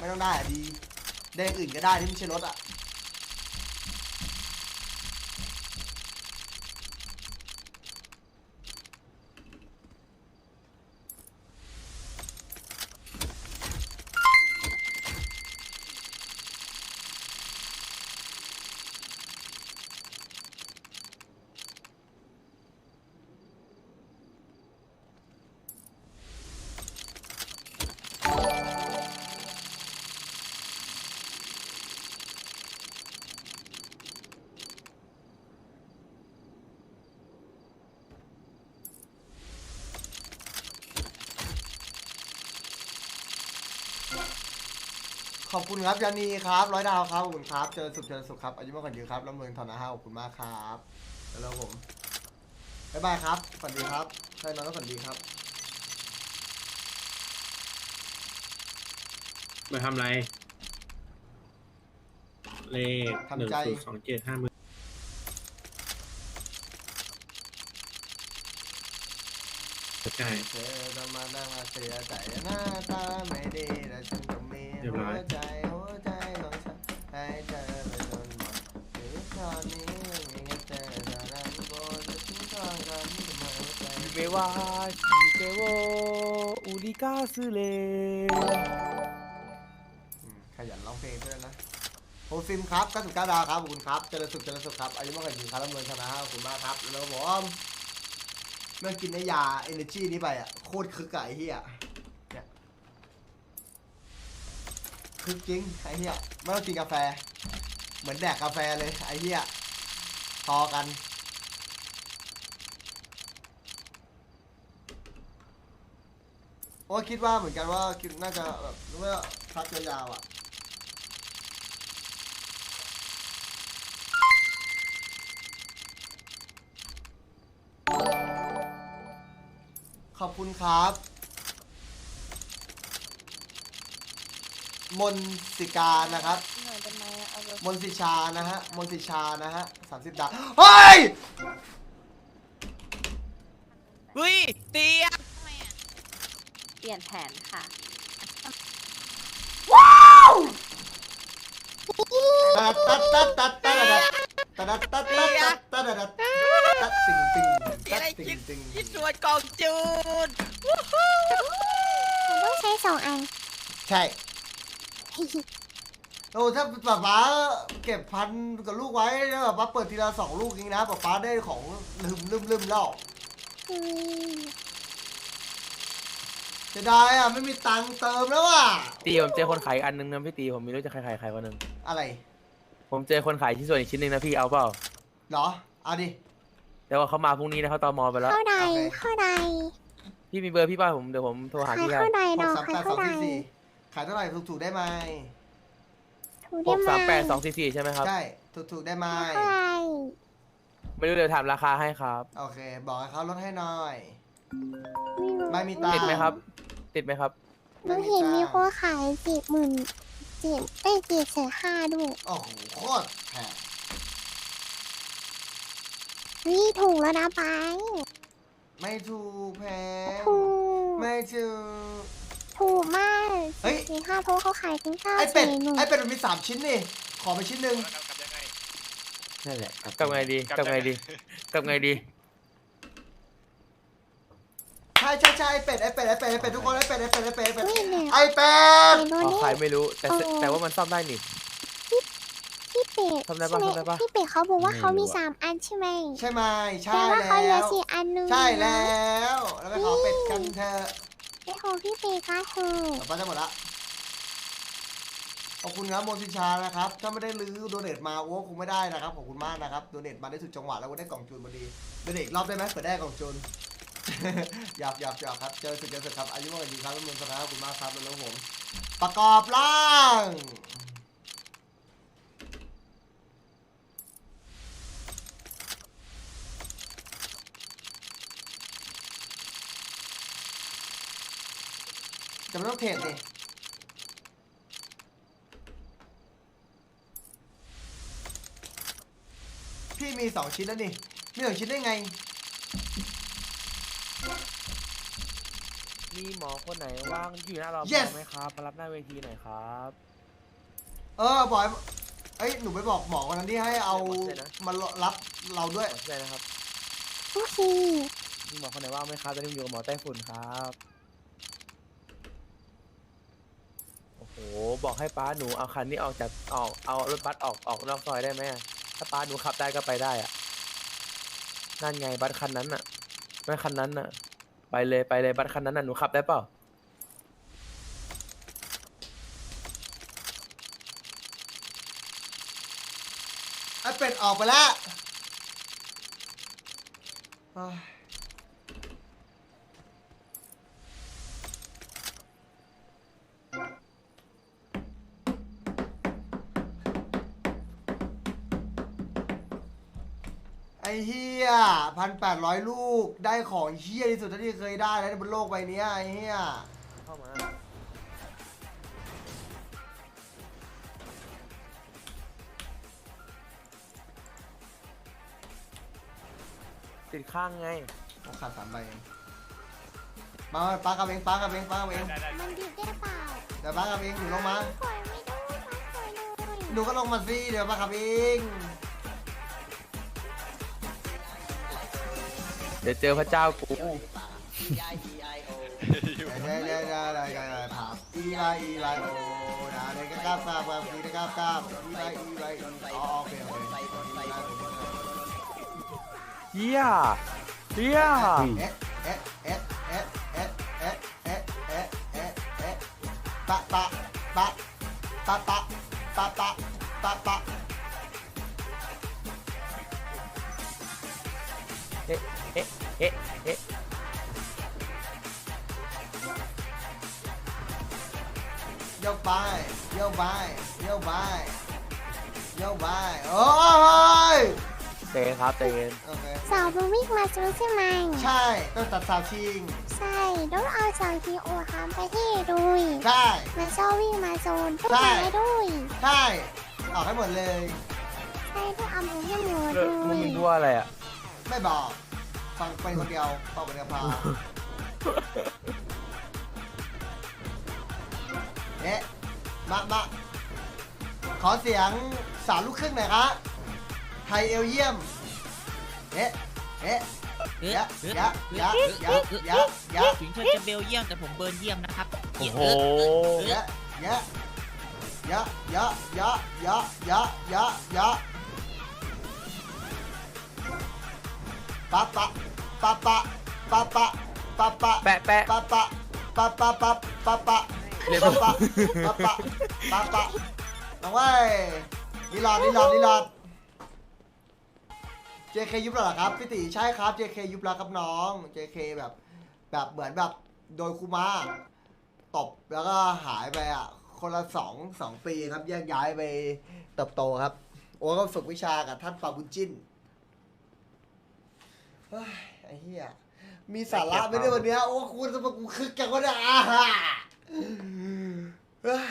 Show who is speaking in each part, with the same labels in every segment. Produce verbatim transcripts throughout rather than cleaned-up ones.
Speaker 1: ไม่ต้องได้อะดีได้อื่นก็ได้ที่ไม่ใช่รถอะขอบคุณครับยานีครับร้อยดาวครับขอบคุณครับเจอสุขเจอสุขครับอายุมากกว่าเยอะครับแล้วเมืองทอนะฮะขอบคุณมากครับแล้วผมบ๊ายบายครับฝันดีครับใช่น้องก็ฝันดีครับ
Speaker 2: มาทำไรเลขหนึ่งศูนย์สองเจ็ดห้าหมื่นใช่
Speaker 1: เธอจะมานั่งมาเสียใจหน้าตาไม่ดีแต่ฉันก็มีหัวใจหัวใจของฉันให้เธอไปจนหมดชีวิตตอนนี้มีแค่เธอเท่านั้นโปรดจะทิ้งทางกันที่มาหัวใจ
Speaker 3: 夢は聞いてを売りかすれ
Speaker 1: อืมขยันร้องเพลงด้วยนะโฮซิมครับเก้าสิบเก้าดาวครับขอบคุณครับเจริญสุขเจริญสุขครับอายุมากกว่าหญิงครับแล้วเมืองชนะขอบคุณมากครับแล้วผมเมื่อกินไอ้ยาเอเนจีนี้ไปอ่ะโคตรคึกอะไอ้เหี้ยเนี่ยคึกจริงไอ้เหี้ยไม่ต้องกินกาแฟเหมือนแดกกาแฟเลยไอ้เหี้ยพอกันโอ้คิดว่าเหมือนกันว่าคิดน่าจะแบบเมื่อพักยาวๆอ่ะขอบคุณครับมนสิกานะครับมนสิชานะฮะมนสิชานะฮะสามสิบดาวเฮ้ย
Speaker 3: เฮ้ยเตีย
Speaker 4: เปลี่ยนแผนค่ะ
Speaker 1: ว้าวตัดตัดตัดตัดตัดตัดตัดตัดตัดตัดตัดตัดตัดติงติงตัดติงติง
Speaker 3: คิดส่วนกองจูน
Speaker 4: มันต้องใช้สองอัน
Speaker 1: ใช่โอ้ถ้าป๊าป๊าเก็บพันกับลูกไว้แล้วป๊าเปิดทีละสองลูกเองนะป๊าป๊าได้ของลืมลืมลืมแล้วจะได้อะไม่มีตังค์เติมแล้วอ่ะ
Speaker 3: ตีผมเจอคนขายอันนึงนะพี่ตีผมไม่รู้จะใครขายใครคนนึง
Speaker 1: อะไร
Speaker 3: ผมเจอคนขายชิ้นส่วนอีกชิ้นนึงนะพี่เอาเปล่า
Speaker 1: เหรอเอาดิ
Speaker 3: แต่ว่าเขามาพรุ่งนี้นะเขาตอมอไปแล้ว
Speaker 4: เข้าใด
Speaker 1: โอเค
Speaker 4: เข้าใด
Speaker 3: พี่มีเบอร์พี่ป่ะผมเดี๋ยวผมโทรหา
Speaker 4: ขาย
Speaker 3: พี่ได้
Speaker 4: เข้าใด
Speaker 1: ห
Speaker 4: ด
Speaker 1: ก
Speaker 4: อก
Speaker 1: สาม
Speaker 4: ขาย
Speaker 1: แปดส
Speaker 4: เข้า
Speaker 1: อง
Speaker 4: ใด
Speaker 1: สี่สี่ขายเท่าไหร่ถูกถูกได้ไหม
Speaker 4: ถู
Speaker 3: ห
Speaker 4: ได้
Speaker 3: ก
Speaker 4: ไหม
Speaker 3: สามแปดสองสี่สี่ใช่ไหมครับ
Speaker 1: ใช่ถูกถูกได้ไหม
Speaker 4: เข้าใด
Speaker 3: ไม่รู้เดี๋ยวถามราคาให้ครับ
Speaker 1: โอเค บอกให้เขาลดให้หน่อย
Speaker 4: ไม่รู้
Speaker 1: ไม่มีตังค์
Speaker 3: ติดไหมครับ ติดไหมครับ
Speaker 4: หนูเห็นมีคนขายเจ็ดหมื่นเจ็ดได้เจ็ดแสนห้าด้วย
Speaker 1: โอ้โหโคตรแพง
Speaker 4: วิถูกแล้วนะไป
Speaker 1: ไม่ถูกแพง
Speaker 4: ถูก
Speaker 1: ไม่ถูก
Speaker 4: ถูกมาก
Speaker 1: เฮ้ย
Speaker 4: สี่ห้าโทเขาขายเป็นเก้า
Speaker 1: ไอเป็ด
Speaker 4: สี่หนึ่ง
Speaker 1: ไอเป็ดมันมีสามชิ้นนี่ ขอไปชิ้นหนึ่ง
Speaker 3: นั่นแหละกลับไงดีกลับไงดีกลับไงดี
Speaker 1: ใช่ใช่ใช่ไอเป็ดไอเป็ดไอเป็ดไอเป็ดทุกคนไอเป็ดไอเป็ดไอเป็ดไอเป็ด
Speaker 4: อุ้ยเนี่ย
Speaker 1: ไอเป็ด
Speaker 4: เห็นโด
Speaker 3: อ๋อ
Speaker 4: นี่
Speaker 3: ใครไม่รู้แต่
Speaker 4: เออ
Speaker 3: แต่ว่ามันซ่อมได้นี่
Speaker 4: พี่เป็ด
Speaker 3: ทำได้ปะ
Speaker 4: ใช่หม
Speaker 3: ทำได้ปะ
Speaker 4: พี่เป็ดเขาบอกว่า
Speaker 3: ไม่รู้
Speaker 4: เขามี
Speaker 3: อะ
Speaker 4: สามอันใช่ไหม
Speaker 1: ใช่ไหมใช่
Speaker 4: แต่ว่าเขาเหลื
Speaker 1: แล้
Speaker 4: อ
Speaker 1: ว
Speaker 4: สี่อันนึง
Speaker 1: ใช่
Speaker 4: นะ
Speaker 1: แล้ว แล้วไปขอเป็ดกันเถอะ
Speaker 4: ไปขอพี่เป็ดก็เถอะ
Speaker 1: ต่อไปจะหมดละขอบคุณครับโมซิชานะครับ ถ้าไม่ได้ลื้อโดเนทมาโอ้คงไม่ได้นะครับ ขอบคุณมากนะครับ โดเนทมาได้สุดจังหวะแล้วก็ได้กล่องจูนพอดี โดเนทอีกรอบได้ไหมเผื่อได้กล่องจูน หยอกหยอกหยอกครับ เจอสุดเจอสุดครับ อายุมากกว่าดีครับแล้วเมืองสนาขอบคุณมากครับแล้วผม ประกอบร่างจะไม่ต้องเทรดดิพี่มีสองชิ้นแล้วนี่ มีสองชิ้นได้ไง
Speaker 3: มีหมอคนไหนว่างอยู่หน้ารอ
Speaker 1: Yes
Speaker 3: ไหมครับมารับหน้าเวทีหน่อยครับ
Speaker 1: เออบอยเอ้ยหนูไปบอกหมอคนนั้นที่ให้เอามารับเราด้วย
Speaker 3: ขอช่วยนะครับ
Speaker 4: โอเค
Speaker 3: มีหมอคนไหนว่างไหมครับตอนนี้ผมอยู่กับหมอไต้ฝุ่นครับโอ้โหบอกให้ป้าหนูเอาคันนี้ออกจากออกเอารถบัสออกออกนอกซอยได้ไหมอะถ้าป้าหนูขับได้ก็ไปได้อะนั่นไงบัสคันนั้นอะไม่คันนั้นอะไปเลยไปเลยบัสคันนั้นอะหนูขับได้เปล่า
Speaker 1: ไอ้เป็ดออกไปแล้วเฮ้ยไอ้เฮียพันแปดร้อยลูกได้ของเฮียที่สุดเท่าที่เคยได้แล้วในบนโลกใบนี้ไอ้เฮีย
Speaker 3: เข้ามาติดข้างไง
Speaker 1: เขาขาดสามใบเองมาป้ากับเองป้ากับเองป้ากับเอง
Speaker 4: มันดีได้เปล่า
Speaker 1: เดี๋ยวป้ากับเองหนูลงมา
Speaker 4: ปล่อยไม่ได้มันปล่อยเลย
Speaker 1: หนูก็ลงมาสิเดี๋ยวป้ากับเอง
Speaker 3: เดี๋ยวเจอพระเจ้ากู
Speaker 1: เดี๋ยวเดี๋ยวเดี๋ยวเดี๋ยวเดี๋ยวเดี๋ยวถามอีไลอีไลโอนะเดี๋ยวก็กล้าบกล้าบกล้าบอีกล้าบกล้าบอีไลอีไลอ๋อโอเคโอเค
Speaker 3: เฮียเฮีย
Speaker 1: เอ๊ะเอ๊ะเอ๊ะเอ๊ะเอ๊ะเอ๊ะเอ๊ะเอ๊ะเอ๊ะเอ๊ะปะปะปะปะปะปะปะปะปะ
Speaker 3: เอ๊ะเอ๊ะเอ๊ะเอ๊ะ
Speaker 1: โยกไปโยกไปโยกไปโยกไปโอ้ย
Speaker 3: เตะครับเตะ
Speaker 1: โอเค
Speaker 4: สาวมันวิ่งมาซื้อใช่ไหม
Speaker 1: ใช่ต้องตัดสาวชิง
Speaker 4: ใช่ต้องเอาสาวทีโอทำไปที่ดุย
Speaker 1: ใช่
Speaker 4: มันชอบวิ่งมาโซนต้อง
Speaker 1: ใช่
Speaker 4: มาดุย
Speaker 1: ใช่ออกให้หมดเลย
Speaker 4: ใช่ต้องเอาหมูให้หมู
Speaker 3: เลิ
Speaker 4: ดุ
Speaker 3: กมึง
Speaker 4: ย
Speaker 3: มึงพูดอะไรอ่ะ
Speaker 1: ไม่บอก ฟังไปคนเดียวเป่าไปเดียวพาเอ๊ะมามาขอเสียงสารลูกครึ่งหน่อยครับไทยเอลเยี่ยม เอ๊ะ เอ๊ะ
Speaker 5: เอ๊ะ
Speaker 1: ยะ
Speaker 5: เอ๊ะ
Speaker 1: ยะยะยะยะยะ
Speaker 5: ถึงเธอจะเบลเยียมแต่ผมเบิร์นเยี่ยมนะครับ
Speaker 3: โอ้โห
Speaker 1: ยะยะยะยะยะยะยะยะยะปะปะปะปะปะปะปะปะ
Speaker 3: แปะแปะ
Speaker 1: ปะปะปะปะปะปะปะ
Speaker 3: เรียบ
Speaker 1: ปะ
Speaker 3: ร้อย
Speaker 1: ปะปะปะปะปะน้องเว้ยลีลาดลีลาดลีลาด เจ เค ยุบแล้วเหรอครับพี่ติใช่ครับ เจ เค ยุบแล้วครับน้อง เจ เค แบบแบบเหมือนแบบโดยคูมาตบแล้วก็หายไปอ่ะคนละสองสองปีครับแยกย้ายไปเติบโตครับ โอ้ก็ฝึกวิชากับท่านปาบุญจิ้นเฮ้ยไอ้เหี้ยมีสาระไหมเนี่ยวันเนี้ยโอ้คุณจะมากูคึกจังวะเนี่ยอ่าฮ่าเฮ้ย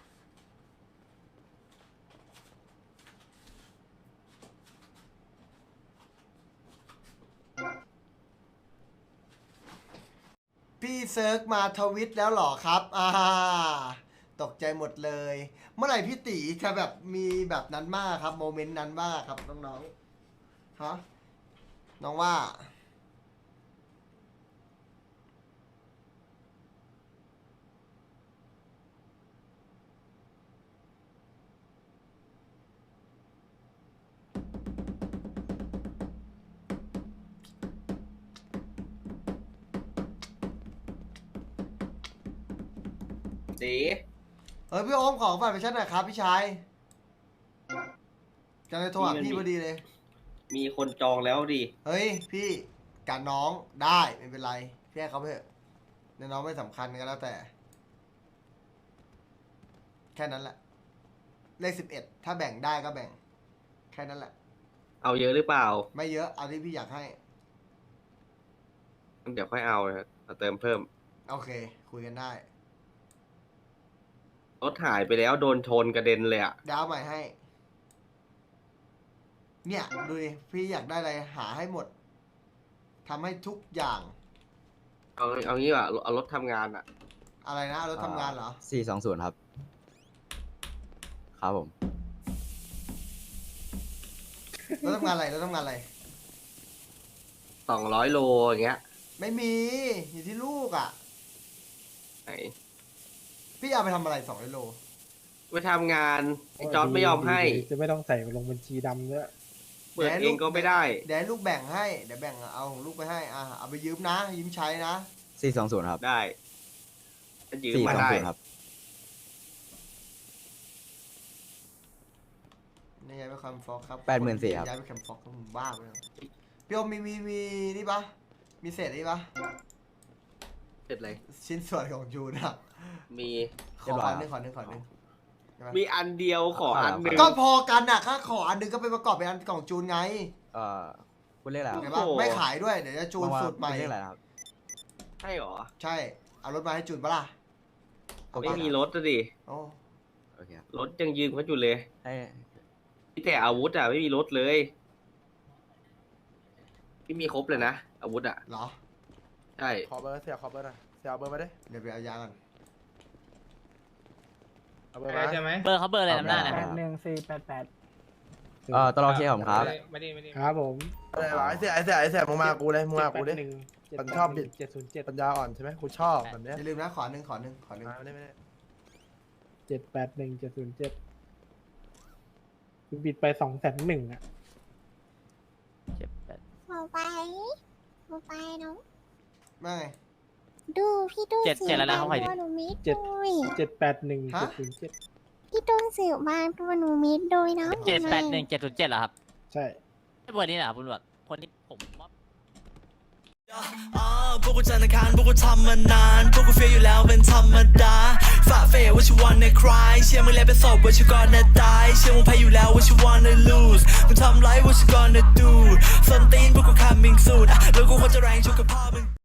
Speaker 1: พี่เซิร์กมาทวิตแล้วเหรอครับอ่าตกใจหมดเลย เมื่อไหร่พี่ตีจะแบบมีแบบนั้นมากครับโมเมนต์นั้นมากครับน้องๆฮะน้องว่า
Speaker 6: สี
Speaker 1: เออพี่โอมของฝากไปชั้นหน่อยครับพี่ชายจะเลยโทรหาพี่พอดีเลย
Speaker 6: มีคนจองแล้วดิ
Speaker 1: เฮ้ยพี่การน้องได้ไม่เป็นไรพี่ให้เขาไปเถอะในน้องไม่สำคัญก็แล้วแต่ แค่นั้นแหละ เลขสิบเอ็ดถ้าแบ่งได้ก็แบ่ง แค่นั้นแหละ
Speaker 6: เอาเยอะหรือเปล่า
Speaker 1: ไม่เยอะเอาที่พี่อยากให้
Speaker 6: เดี๋ยวค่อยเอานะเอาเติมเพิ่ม
Speaker 1: โอเค คุยกันได้
Speaker 6: รถหายไปแล้วโดนชนกระเด็นเลยอ่ะ
Speaker 1: ดาวใหม่ให้ เนี่ยดูดิพี่อยากได้อะไรหาให้หมดทำให้ทุกอย่าง
Speaker 6: เอาเอางี้ว่ะเอารถทำงานอ่ะ
Speaker 1: อะไรนะรถทำงานเหรอ
Speaker 7: สี่สองศูนย์ครับ ครับผม
Speaker 1: รถทำงานอะไรรถทำงานอะไร
Speaker 6: สองร้อยโลอย่างเงี้ย
Speaker 1: ไม่มีอยู่ที่ลูกอ่ะ
Speaker 6: ไหน
Speaker 1: พี่เอาไปทำอะไรสองโล
Speaker 6: ไปทำงานไอ้จอร์ดไม่ยอมให้
Speaker 8: จะไม่ต้องใส่ลงบัญชีดำด้วย
Speaker 6: เปิดเองก็ไม่ได้
Speaker 1: เดี๋ยวให้ลูกแบ่งให้เดี๋ยวแบ่งเอาของลูกไปให้อ่ะเอาไปยืมนะยืมใช้นะ
Speaker 7: สี่สองศูนย์ครับ
Speaker 6: ได้จะยืม
Speaker 7: สี่
Speaker 6: มา
Speaker 7: สอง
Speaker 6: ได้
Speaker 7: ศูนย์ครับ
Speaker 1: นี่ย้ายไปแคมป์ฟอกครับ
Speaker 7: แปดหมื่นสี่ครับ
Speaker 1: ย้ายไปแคมป์ฟอกก็มึงบ้าไปแล้วพี่โอมมีมีมีนี่ปะมีเศษนี่ปะ
Speaker 6: เสร็จเลย
Speaker 1: ชิ้นส่วนของจูนอะ
Speaker 6: มี
Speaker 1: ข
Speaker 7: เรีย
Speaker 1: อบ
Speaker 7: ร้อย
Speaker 1: อันหนึงขอหนึ่งขอหนึ่งใช่ปะ
Speaker 6: มีอันเดียวขออันหนึ่ง
Speaker 1: ก็พอกันอ่ะถ้าขออันหนึงก็ไปประกอบเป็นอันกล่องจูนไง
Speaker 7: เอ่อ คุณเรียกอะไรครับ
Speaker 1: เห็นปะไม่ขายด้วยเดี๋ยวจะจูน
Speaker 7: ว่า
Speaker 1: สูตรใหม่
Speaker 7: คุณเรียกอะไรนะครับ
Speaker 6: ใช่หรอ
Speaker 1: ใช่เอารถมาให้จูนปะล่ะ
Speaker 6: ไม่มีรถอะดิ
Speaker 1: โอ้
Speaker 7: โอเคครับ
Speaker 6: รถยังยืมเขาอยู่เลย
Speaker 7: ให้
Speaker 6: พี่แต่อาวุธอ่ะไม่มีรถเลยพี่มีครบเลยนะอาวุธอ่ะ
Speaker 1: เหรอ
Speaker 6: ใช่
Speaker 3: ขอเบอร์เสียขอเบอร์หน่อยเสียเอาเบอร์มาดิ
Speaker 1: เดี๋ยวไปเอายาก่อน
Speaker 3: เอาเบอร์มา
Speaker 2: ใช่ไหม
Speaker 5: เบอร์เขาเบอร์อะไรนำหน้าเนี่ย
Speaker 7: ครับ
Speaker 8: หนึ่งสี่แปดแปด
Speaker 7: เอ่อตลอดเคผมครับ
Speaker 2: ไม่ได้ไม่ได้
Speaker 8: ครับผม
Speaker 3: อะไรวะไอ้เสียไอ้เสียไอ้เสียมึงมากูเลยมึงมากูดิ
Speaker 8: หนึ่ง
Speaker 3: มันชอบบิด
Speaker 8: เจ็ดศูนย์เจ็ด
Speaker 3: ปัญญาอ่อนใช่ไหมกูชอบแบบเนี้ย
Speaker 1: อย่าลืมนะขอหนึ่งขอหนึ่งขอหนึ่ง
Speaker 3: มาไม่ได้ไม่ได้
Speaker 8: เจ็ดแปดหนึ่งเจ็ดศูนย์เจ็ดบิดไปสองแสนหนึ่งอ่ะ
Speaker 4: ขอไปขอไปเนาะ
Speaker 1: ไม่ไง
Speaker 4: ดูพี่ตู้
Speaker 5: เจ็ด
Speaker 4: สืบ
Speaker 5: เจ็ดแล้วนะ
Speaker 4: บา
Speaker 5: เขา
Speaker 4: ง
Speaker 5: ใคร
Speaker 4: ตัวหนูมิดด้วย
Speaker 8: เจ็ดแปดหนึ่ง
Speaker 1: ฮะ
Speaker 8: เจ็ดศูนย์เจ็ด
Speaker 4: พี่ตู้สืบบางตัวหนูมิดโดยเนาะ
Speaker 5: เจ็ดแปดหนึ่งเจ็ดศูนย์เจ็ดเหรอครับ
Speaker 8: ใช่
Speaker 5: ไม่เบอร์นี้เหรอครับคุณตำรวจคนที่ผมว่า
Speaker 9: อ่าพวกกูจันทร์อังคารพวกกูทำมานาน พวกกูเฟียอยู่แล้วเป็นธรรมดาฝ่าเฟยว่าชิวันในคลายเชื่อมึงแล้วเป็นศพว่าชิวก่อนนะตายเชื่อมึงแพ้อยู่แล้วว่าชิวันใน lose มึงทำไรว่าชิวก่อนนะ do ส้นตีนพวกกู coming soon อ่ะแล้วกูควรจะแรงชุกกับพ่อมึง